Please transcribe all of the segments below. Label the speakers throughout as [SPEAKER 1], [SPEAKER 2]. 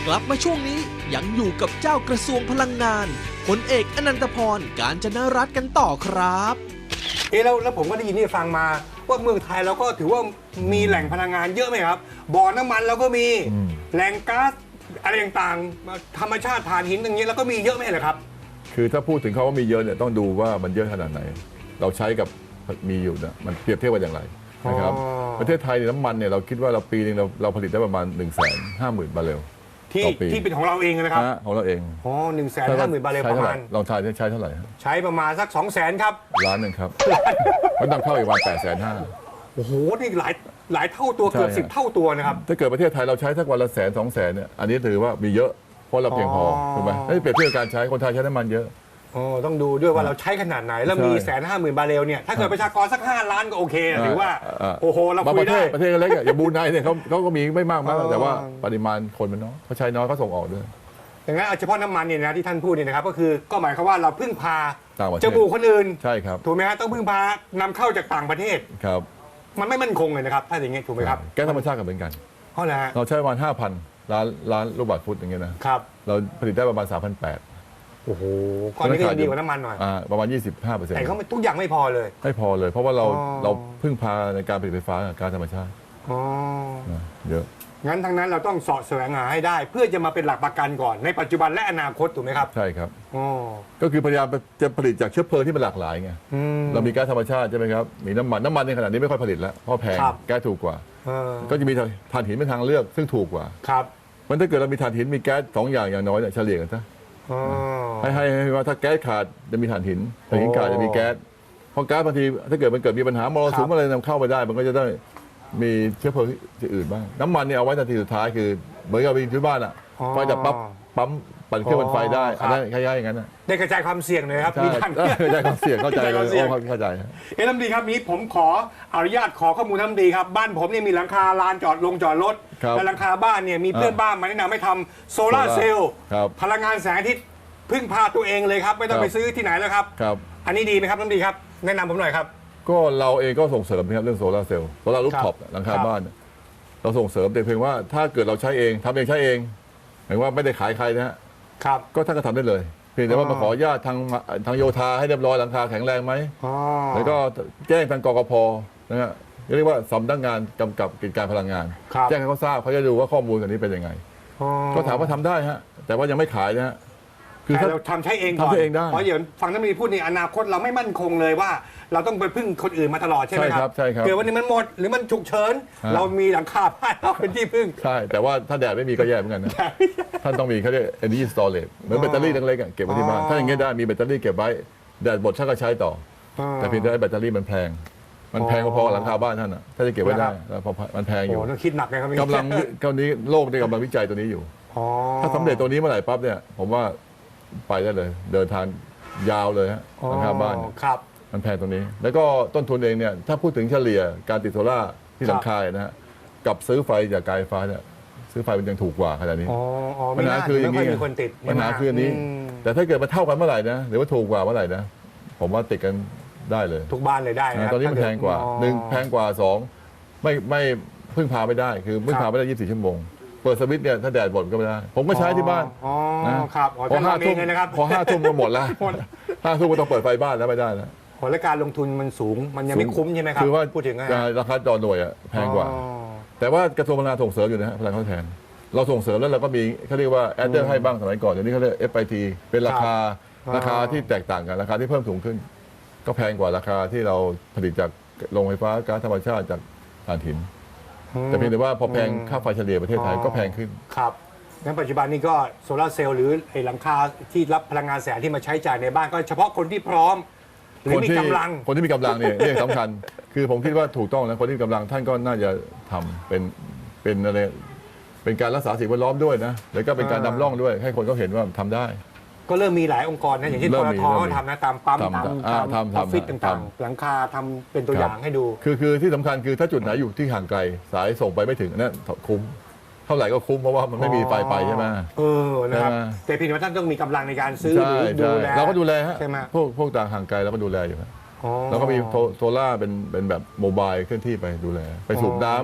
[SPEAKER 1] กลับมาช่วงนี้ยังอยู่กับเจ้ากระทรวงพลังงานพลเอกอนันตพร กาญจนรัตน์กันต่อครับ
[SPEAKER 2] แล้วผมก็ได้ยินที่ฟังมาว่าเมืองไทยเราก็ถือว่ามีแหล่งพลังงานเยอะไหมครับบ่อน้ำมันเราก็มีแหล่งก๊าซอะไรต่างๆธรรมชาติถ่านหินอย่างเงี้ยแล้วก็มีเยอะไหมเหรอครับ
[SPEAKER 3] คือถ้าพูดถึงเขาว่ามีเยอะเนี่ยต้องดูว่ามันเยอะขนาดไหนเราใช้กับมีอยู่นะมันเปรียบเทียบกันอย่างไรนะครับประเทศไทยน้ำมันเนี่ยเราคิดว่าเราปีนึงเราผลิตได้ประมาณ 150,000 บาร์เรลต่อปี
[SPEAKER 2] ที่เป็นของเราเองนะครับ
[SPEAKER 3] ของเราเอง
[SPEAKER 2] 150,000 บาร์เรลประมาณ
[SPEAKER 3] ลองทายใช้เท่าไหร่
[SPEAKER 2] ใช้ประมาณสัก 200,000 ครับ
[SPEAKER 3] 1,000,000ครับมันนำเข้าอีกวัน850,000
[SPEAKER 2] โอ้โหนี่หลายเท่าตัวเกือบ10 เท่าตัวนะครับ
[SPEAKER 3] ถ้าเกิดประเทศไทยเราใช้สักวันละ100,000-200,000เนี่ยอันนี้ถือว่ามีเยอะเพราะเราเพียงพอถูกไหมถ้าเปรียบเทียบการใช้คนไทยใช้น้ำมันเยอะ
[SPEAKER 2] ต้องดูด้วยว่าเราใช้ขนาดไหนแล้วมี150,000 บาร์เรลเนี่ยถ้าเกิดประชากรสัก5 ล้านก็โอเคถือว่าโอ้โหเราคุยได้
[SPEAKER 3] ประเทศเล็กอย่างบรูไนเนี่ยเขาก็มีไม่มากแต่ว่าปริมาณคนมันน้อยเขาใช้น้อยเขาส่งออกด้วย
[SPEAKER 2] อย่างนั้นเฉพาะน้ำมันเนี่ยนะที่ท่านพูดเนี่ยนะครับก็คือก็หมายความว่าเราพึ่งพา
[SPEAKER 3] จ
[SPEAKER 2] มูกคนอื่น
[SPEAKER 3] ใช่ครับ
[SPEAKER 2] ถูกไหมฮะต้องพึ่งพานำเข้าจากต่างประเทศ
[SPEAKER 3] ครับ
[SPEAKER 2] มันไม่มั่นคงเลยนะครับถ้าอย่างเงี้ยถูกไหมครับ
[SPEAKER 3] แก๊สธรรมชาติก็เหมือนกัน
[SPEAKER 2] เพราะอะไรฮะ
[SPEAKER 3] เราใช้ประมาณ 5,000 ล้านลูกบาศก์ฟุตอย่างเงี้ยนะครับเราผลิตได้ประมาณ 3,800
[SPEAKER 2] โอ้โหก้อนนี้ก็ดีกว่าน้ำมันหน่อย
[SPEAKER 3] ประมาณ 25%
[SPEAKER 2] แต่เขาทุกอย่างไม่พอเลย
[SPEAKER 3] ไม่พอเลยเพราะว่าเราพึ่งพาในการผลิตไฟฟ้ากับก๊าซธรรมชาติเยอะ
[SPEAKER 2] งั้นทั้งนั้นเราต้องเสาะแสวงหาให้ได้เพื่อจะมาเป็นหลักประกันก่อนในปัจจุบันและอนาคตถูกไหมครับ
[SPEAKER 3] ใช่ครับก็คือพยายามจะผลิตจากเชื้อเพลิงที่มันหลากหลายไงเรามีก๊าซธรรมชาติใช่ไหมครับมีน้ำมันในขณะนี้ไม่ค่อยผลิตแล้วเพราะแพงแก๊สถูกกว่าก็จะมีถ่านหินเป็นทางเลือกซึ่งถูกกว่า
[SPEAKER 2] ครับ
[SPEAKER 3] มันถ้าเกิดเรามีถ่านหินมีแก๊ส2 อย่างน้อยเนี่ยเฉลี่ยกันซะให้ว่าถ้าแก๊สขาดจะมีถ่านหินขาดจะมีแก๊สเพราะแก๊สบางทีถ้าเกิดมันเกิดมีปัญหามลสุมอะไรนำเข้าไปได้มันก็จะได้มีเชื้อเพลิงที่อื่นบ้างน้ำมันเนี่ยเอาไว้นาทีสุดท้ายคือเหมือนกับไปที่บ้านอ่ะไฟจะปั๊มปั่นเครื่องปั่นไฟได้อันนั้นคล้ายๆอย่างนั้น
[SPEAKER 2] ได้กระจายความเสี่ยงเลยครับมีท่าน
[SPEAKER 3] กระจายความเสี่ยงเข้าใจเลยเข้าใจ
[SPEAKER 2] ท่านดีครับนี้ผมขออนุญาตขอข้อมูลท่านดีครับบ้านผมเนี่ยมีหลังคาลานจอดรถและหลังคาบ้านเนี่ยมีเพื่อนบ้านมาแนะนำให้ทำโซลาร์เซลล์พลังงานแสงอาทิตย์พึ่งพาตัวเองเลยครับไม่ต้องไปซื้อที่ไหนแล้วครับอันนี้ดีไหมครับท่านดีครับแนะนำผมหน่อยครับ
[SPEAKER 3] ก็เราเองก็ส่งเสริมนะครับเรื่องโซลาร์เซลล์โซลาร์รูฟท็อปหลังคาบ้านเราส่งเสริมแต่เพียงว่าถ้าเกิดเราใช้เองทำเองใช้เองหมายว่าไม่ได้ขายใครนะฮะก็ท่านก็ทำได้เลยเพียงแต่ว่ามาขออนุญาตทางโยธาให้เรียบร้อยหลังคาแข็งแรงไหมแล้วก็แจ้งทางกกพนะฮะเรียกว่าสำนักงานกำกับกิจการพลังงานแจ้งให้เขาทราบเขาจะดูว่าข้อมูลกันนี้เป็นยังไงก็ถามว่าทำได้ฮะแต่ว่ายังไม่ขายนะฮะ
[SPEAKER 2] คือเราทำใช้เองก่อนเพราะอย่างฟังท่านมีพูดในอนาคตเราไม่มั่นคงเลยว่าเราต้องไปพึ่งคนอื่นมาตลอดใช่ไหมครับเกิดวันนี้มันหมดหรือมันฉุกเฉินเรามีหลังคาบ้านเราเป็นที่พึ่ง
[SPEAKER 3] ใช่แต่ว่าถ้าแดดไม่มีก็แย่เหมือนกันนะท่านต้องมีเขาเรียก energy storage เหมือนแบตเตอรี่เล็กๆเก็บไว้ที่บ้านถ้าอย่างเงี้ยได้มีแบตเตอรี่เก็บไว้แดดหมดท่านก็ใช้ต่อแต่เพียงแต่แบตเตอรี่มันแพงพอๆหลังคาบ้านท่านอ่ะถ้าจะเก็บไว้ได้พอมันแพงอยู่
[SPEAKER 2] ต้องคิดหนักเลยครับ
[SPEAKER 3] กำลังโลกในกำลังวิจัยตัวนี้อยู่ถ้าสำเร็จตัวนี้เมื่อไหร่ปั๊บเนี่ยผมว่าไปได้เลยเดินทางยาวเลยฮะหลังคาบ้านมันแพงตรงนี้แล้วก็ต้นทุนเองเนี่ยถ้าพูดถึงเฉลี่ยการติดโซล่าที่หลังคานะฮะกับซื้อไฟจากการไฟฟ้าเนี่ยซื้อไฟมันยังถูกกว่าขนาดนี้
[SPEAKER 2] ปัญหาคืออย่างนี้
[SPEAKER 3] ปัญหาคืออันนี้แต่ถ้าเกิดมันเท่ากันเมื่อไหร่นะหรือว่าถูกกว่าเมื่อไหร่นะผมว่าติดกันได้เลย
[SPEAKER 2] ทุกบ้านเลยได้นะ
[SPEAKER 3] ตอนนี้มันแพงกว่า1แพงกว่า2ไม่พึ่งพาไม่ได้คือพึ่งพาไม่ได้24 ชั่วโมงเปิดสวิตช์เนี่ยถ้าแดดหมดก็ไม่ได้ผมก็ใช้ที่บ้าน
[SPEAKER 2] นะครับ
[SPEAKER 3] พอ5 ทุ่มก็หมดแล้ว5 ทุ่มก็ต้องเปิดไฟบ้านแล้วไม่ได้แล้ว
[SPEAKER 2] และการลงทุนมันสูงมันยังไม่คุ้มใช่ไหมครับ
[SPEAKER 3] คือว่า
[SPEAKER 2] พูดถึง
[SPEAKER 3] ราคาต่อหน่วยแพงกว่าแต่ว่ากระทรวงพลังงานส่งเสริมอยู่นะฮะพลังงานทดแทนเราส่งเสริมแล้วเราก็มีเขาเรียกว่าแอดเดอร์ให้บ้างสมัยก่อนเดี๋ยวนี้เขาเรียก FIT เป็นราคาที่แตกต่างกันราคาที่เพิ่มสูงขึ้นก็แพงกว่าราคาที่เราผลิตจากโรงไฟฟ้าก๊าซธรรมชาติจากถ่านหินแต่เพียงแต่ว่าพอแพงค่าไฟเฉลี่ยประเทศไทยก็แพงขึ้น
[SPEAKER 2] ครับงั้นปัจจุบันนี้ก็โซลาร์เซลล์หรือไอ้หลังคาที่รับพลังงานแสงที่มาใช้จ่ายในบ้านก็เฉพาะคนที่พร้อมหรือมีกำลัง
[SPEAKER 3] คนที่มีกำลังเนี่ยเรื่องสำคัญคือผมคิดว่าถูกต้องแล้วคนที่มีกำลังท่านก็น่าจะทำเป็นอะไรเป็นการรักษาสิ่งแวดล้อมด้วยนะแล้วก็เป็นการนำร่องด้วยให้คนเขาเห็นว่าทำได้
[SPEAKER 2] ก็เริ่มมีหลายองค์กรนะอย่างที่ปตทเขาทำนะตามปั๊มตามออฟฟิศต่างๆหลังคาทำเป็นตัวอย่างให้ดู
[SPEAKER 3] คือที่สำคัญคือถ้าจุดไหนอยู่ที่ห่างไกลสายส่งไปไม่ถึงนั่นคุ้มเท่าไหร่ก็คุ้มเพราะว่ามันไม่มีไฟไปใช่ไหม
[SPEAKER 2] นะครับแต่พี่ว่าท่านต้องมีกำลังในการซื้อหรือดูแล
[SPEAKER 3] เราก็ดูแลฮะพวกต่างห่างไกลเราก็ดูแลอยู่แล้วก็มีโซล่าเป็นแบบโมบายเคลื่อนที่ไปดูแลไปสูบน้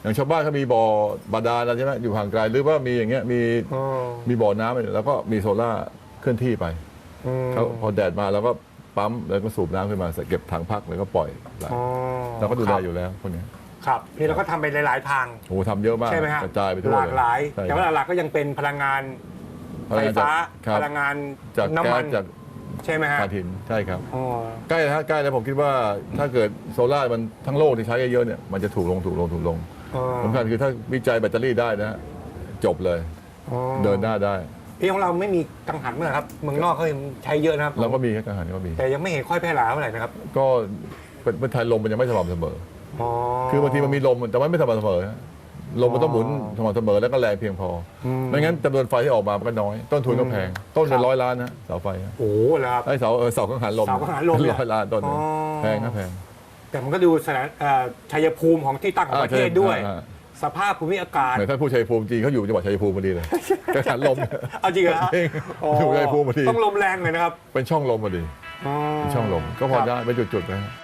[SPEAKER 3] อย่างชาวบ้านเขามีบ่อบาดาลอะไรใช่ไหมอยู่ห่างไกลหรือว่ามีอย่างเงี้ยมีบ่อน้ำแล้วก็มีโซล่าเคลื่อนที่ไปเขาพอแดดมาแล้วก็ปั๊มแล้วก็สูบน้ำขึ้นมาเก็บถังพักแล้วก็ปล่อยเราก็ดูแลอยู่แล้วคนนี้
[SPEAKER 2] ครับนี่เราก็ทำไปหลายๆทาง
[SPEAKER 3] โอ้ทำเยอะมาก
[SPEAKER 2] ใช่ไหมฮะ
[SPEAKER 3] กระจายไปทั่ว
[SPEAKER 2] หลากหลายแต่ว่าหลักๆก็ยังเป็นพลังงานไฟฟ้าพลังงาน
[SPEAKER 3] จาก
[SPEAKER 2] น้ำมัน
[SPEAKER 3] จาก
[SPEAKER 2] ใช่ไหมฮะ
[SPEAKER 3] ถ่านหินใช่ครับใกล้แล้วใกล้แล้วผมคิดว่าถ้าเกิดโซล่ามันทั้งโลกที่ใช้เยอะๆเนี่ยมันจะถูกลงสำคัญคือถ้าวิจัยแบตเตอรี่ได้นะจบเลยเดินหน้าได้
[SPEAKER 2] ที่ของเราไม่มีกังหันเมื่อครับเมืองนอกเขาใช้เยอะนะครับ
[SPEAKER 3] เราก็มีกังหันก็มี
[SPEAKER 2] แต่ยังไม่เห็นค่อยแพร่หลายเท่าไหร่นะครับ
[SPEAKER 3] ก็เป็นไทยลมมันยังไม่สม่ำเสมอคือบางทีมันมีลมแต่ว่าไม่สม่ำเสมอลมมันต้องหมุนสม่ำเสมอแล้วก็แรงเพียงพอไม่งั้นจำนวนไฟที่ออกมามันก็น้อยต้นทุนก็แพงต้นเป็น100 ล้านนะเสาไฟ
[SPEAKER 2] โอ้แล้วครับ
[SPEAKER 3] ไอ้เสากังหันลม100 ล้านต้นแพงนะแพง
[SPEAKER 2] แต่มันก็ดูชัยภูมิของที่ตั้งของประเทศด้วยสภาพภูมิอากาศ
[SPEAKER 3] ท่านผู้ชัยภูมิจริงเขาอยู่จังหวัดชัยภูมิพอดีเลยกังหันลม
[SPEAKER 2] เอาจริงเหรอ
[SPEAKER 3] อยู่ชัยภูมิพอดี
[SPEAKER 2] ต้องลมแรงเลยนะครับ
[SPEAKER 3] เป็นช่องลมพอดีช่องลมก็พอได้เป็นจุดๆนะ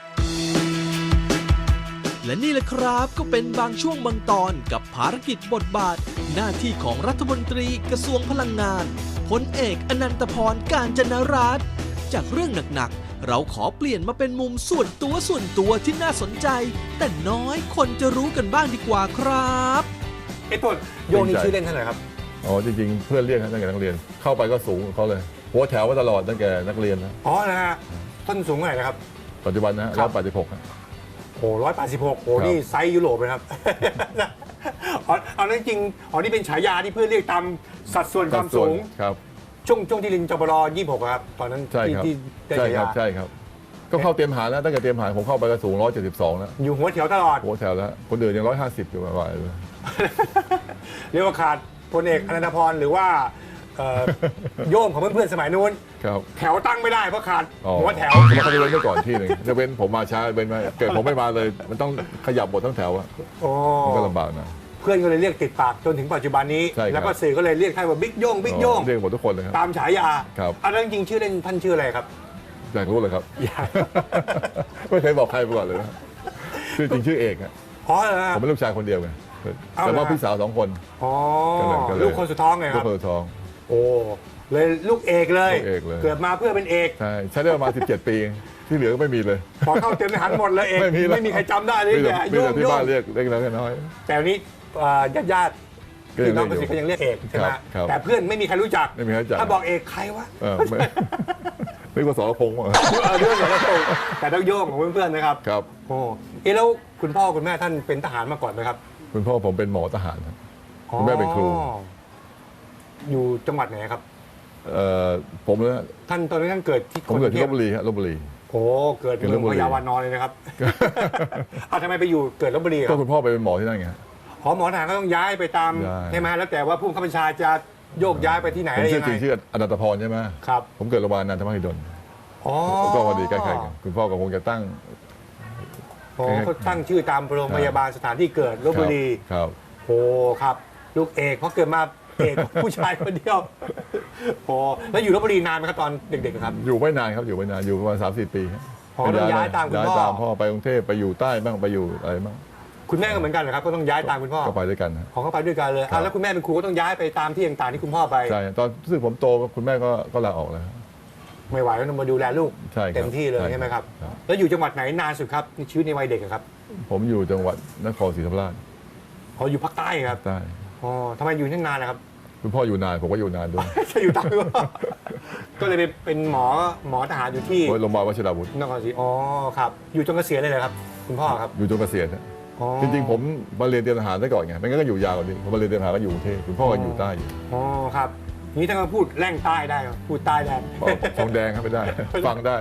[SPEAKER 1] และนี่แหละครับก็เป็นบางช่วงบางตอนกับภารกิจบทบาทหน้าที่ของรัฐมนตรีกระทรวงพลังงานพลเอกอนันตพร กาญจนรัตน์จากเรื่องหนักๆเราขอเปลี่ยนมาเป็นมุมส่วนตัวที่น่าสนใจแต่น้อยคนจะรู้กันบ้างดีกว่าครับ
[SPEAKER 2] ต้นโยนี่ชื่อเล่นเท่าไหร่ครับ
[SPEAKER 3] อ๋อจริงๆเพื่อนเรียกตั้งแต่นักเรียนเข้าไปก็สูงเขาเลยหัวแถวมาตลอดตั้งแต่นักเรียนนะ
[SPEAKER 2] อ๋อนะฮะต้นสูงเท่าไหร่นะครับ
[SPEAKER 3] ปัจจุบันนะ186
[SPEAKER 2] โอ้186โอ้นี่ไซส์ยุโรปเลยครับเอานั่นจริงนี่เป็นฉายาที่เพื่อนเรียกตามสัดส่วนความสูง
[SPEAKER 3] ครับ
[SPEAKER 2] ช่วงที่ลินจบล26ครับตอนนั้นที่ได้ฉายา
[SPEAKER 3] ใช่ครับก็เข้าเตรียมหาแล้วตั้งแต่เตรียมหาผมเข้าไปก็สูง172แล้ว
[SPEAKER 2] อยู่หัวแถวตลอด
[SPEAKER 3] หัวแถวแล้วคนอื่นยัง150อยู่ประมาณเลย
[SPEAKER 2] เรียกว่าขาดพลเอกอนันตพรหรือว่าโยมของเพื่อนๆสมัยนู้นแถวตั้งไม่ได้เพราะขาดหัวแถว
[SPEAKER 3] มันเขาจะเว้นไว้ก่อนที่หนึ่งจะเว้นผมมาช้าเว้นไว้เกิดผมไม่มาเลยมันต้องขยับหมดทั้งแถวมันก็ลำบากนะ
[SPEAKER 2] เพื่อนก็เลยเรียกติดปากจนถึงปัจจุบันนี้แล้วก็สื่อก็เลยเรียกท่านว่าบิ๊กโย่งเ
[SPEAKER 3] รียกหมดทุกคนเลยครับ
[SPEAKER 2] ตามฉายาอันนั้นจริงชื่อเล่นท่านชื่ออะไรครับ
[SPEAKER 3] อยากรู้เลยครับไม่เคยบอกใครมาก่อนเลยนะชื่อจริงชื่อเอกครับผมเป็นลูกชายคนเดียวไงแต่ว่าพี่สาว2 คน
[SPEAKER 2] ลูกคนสุดท้องไงครับ
[SPEAKER 3] ลูกคนสุดท้อง
[SPEAKER 2] โอ้เลยลูกเอกเลยเกิดมาเพื่อเป็นเอก
[SPEAKER 3] ใช้ได้ประมาณ17 ปีที่เหลือก็ไม่มีเลย
[SPEAKER 2] พอเข้าเต็มทหารหมดเลยเอกไม่มีใครจำได้เลย
[SPEAKER 3] เนี่ยโยงที่บ้านเรียกเล็กน้อย
[SPEAKER 2] แต่นี้ญาติพี่น้องก็ยังเรียกเอกใช่ไหมแต่เพื่อนไม่มีใครรู้จักถ้าบอกเอกใครวะ
[SPEAKER 3] ไม่ว่าสรพงษ์
[SPEAKER 2] เรื่องสรพงษ์แต่ต้องโยงของเพื่อนๆนะครับ
[SPEAKER 3] ครับ
[SPEAKER 2] โอ้แล้วคุณพ่อคุณแม่ท่านเป็นทหารมาก่อนไหมครับ
[SPEAKER 3] คุณพ่อผมเป็นหมอทหารครับคุณแม่เป็นครู
[SPEAKER 2] อยู่จังหวัดไหนครับ
[SPEAKER 3] ผมเนี่ย
[SPEAKER 2] ท่านตอนนี้ท่านเกิดที่
[SPEAKER 3] ผมเกิดที่ลพบุรีครับลพบุรี
[SPEAKER 2] โอ้เกิดเมืองพญาวานอนเลยนะครับทำไมไปอยู่เกิดลพบุรี
[SPEAKER 3] ก็คุณพ่อไปเป็นหมอที่นั่นไง
[SPEAKER 2] หมอทหารก็ต้องย้ายไปตามใช่ไหมแล้วแต่ว่าผู้บัญชาจะโยกย้ายไปที่ไหน
[SPEAKER 3] อะไรยังไงผมชื่ออนันตพรใช่ไหม
[SPEAKER 2] ครับ
[SPEAKER 3] ผมเกิดโรงพยาบาลนันทมหิดลก็พอดีใกล้ๆกันคุณพ่อก็คงจะตั้ง
[SPEAKER 2] เขาตั้งชื่อตามโรงพยาบาลสถานที่เกิดลพบุรี
[SPEAKER 3] ครับ
[SPEAKER 2] โอ้ครับลูกเอกเพราะเกิดมาเอกผู้ชายคนเดียวโอ้แล้วอยู่ลพบุรีนานไหมครับตอนเด็กๆครับ
[SPEAKER 3] อยู่ไม่นานครับอยู่ไม่นานอยู่ประมาณ3-4 ปี
[SPEAKER 2] ต้องย้ายตามคุณพ่อ
[SPEAKER 3] ย้ายตามพ่อไปกรุงเทพไปอยู่ใต้บ้างไปอยู่อะไรบ้าง
[SPEAKER 2] คุณแม่ก็เหมือนกันเหรอครับก็ต้องย้ายตามคุณพ่อ
[SPEAKER 3] ก็ไปด้วยกัน
[SPEAKER 2] ของเขาไปด้วยกันเลยแล้วคุณแม่เป็นครูก็ต้องย้ายไปตามที่ต่างๆที่คุณพ่อไป
[SPEAKER 3] ใช่ตอนรู้สึกผมโตคุณแม่ก็ลาออกแล้ว
[SPEAKER 2] ไม่ไหวแล้วต้องมาดูแลลูกเต็มที่เลยใช่ไหมครับแล้วอยู่จังหวัดไหนนานสุดครับชีวิตในวัยเด็กครับ
[SPEAKER 3] ผมอยู่จังหวัดนครศรีธรรมราช
[SPEAKER 2] อยู่ภาคใต้ครับ
[SPEAKER 3] ใต้
[SPEAKER 2] ทำไมอยู่ที่นานนะครับ
[SPEAKER 3] คุณพ่ออยู่นานผมก็อยู่นานด้วย
[SPEAKER 2] จะอยู่ตามก็เลยเป็นหมอทหารอยู่ที่
[SPEAKER 3] โรงพยาบาลวชิราวุธ
[SPEAKER 2] นครศรีครับอยู่จนเกษียณเลยครับคุณพ่อครับ
[SPEAKER 3] อยู่จนเกษียณจริงๆผมมาเรียนเตรียมทหารได้ก่อนไงไม่งั้นก็อยู่ยาวกว่านี้ผมมาเรียนเตรียมทหารก็อยู่กรุงเทพคุณพ่อก็อยู่ใต้อยู่
[SPEAKER 2] ครับนี้ถ้าพูดแร่งใต้ได้พูดใต้ได้
[SPEAKER 3] ทองแดงครับไม่ได้ฟังได้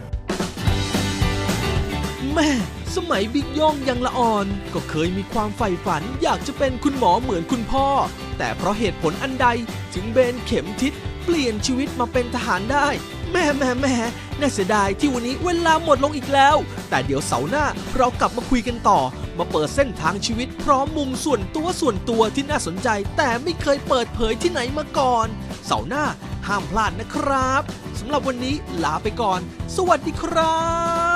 [SPEAKER 1] แม่สมัยบิ๊กย่องยังละอ่อนก็เคยมีความใฝ่ฝันอยากจะเป็นคุณหมอเหมือนคุณพ่อแต่เพราะเหตุผลอันใดถึงเบนเข็มทิศเปลี่ยนชีวิตมาเป็นทหารได้แม่น่าเสียดายที่วันนี้เวลาหมดลงอีกแล้วแต่เดี๋ยวเสาร์หน้าเรากลับมาคุยกันต่อมาเปิดเส้นทางชีวิตพร้อมมุมส่วนตัวที่น่าสนใจแต่ไม่เคยเปิดเผยที่ไหนมาก่อนเสาร์หน้าห้ามพลาดนะครับสำหรับวันนี้ลาไปก่อนสวัสดีครับ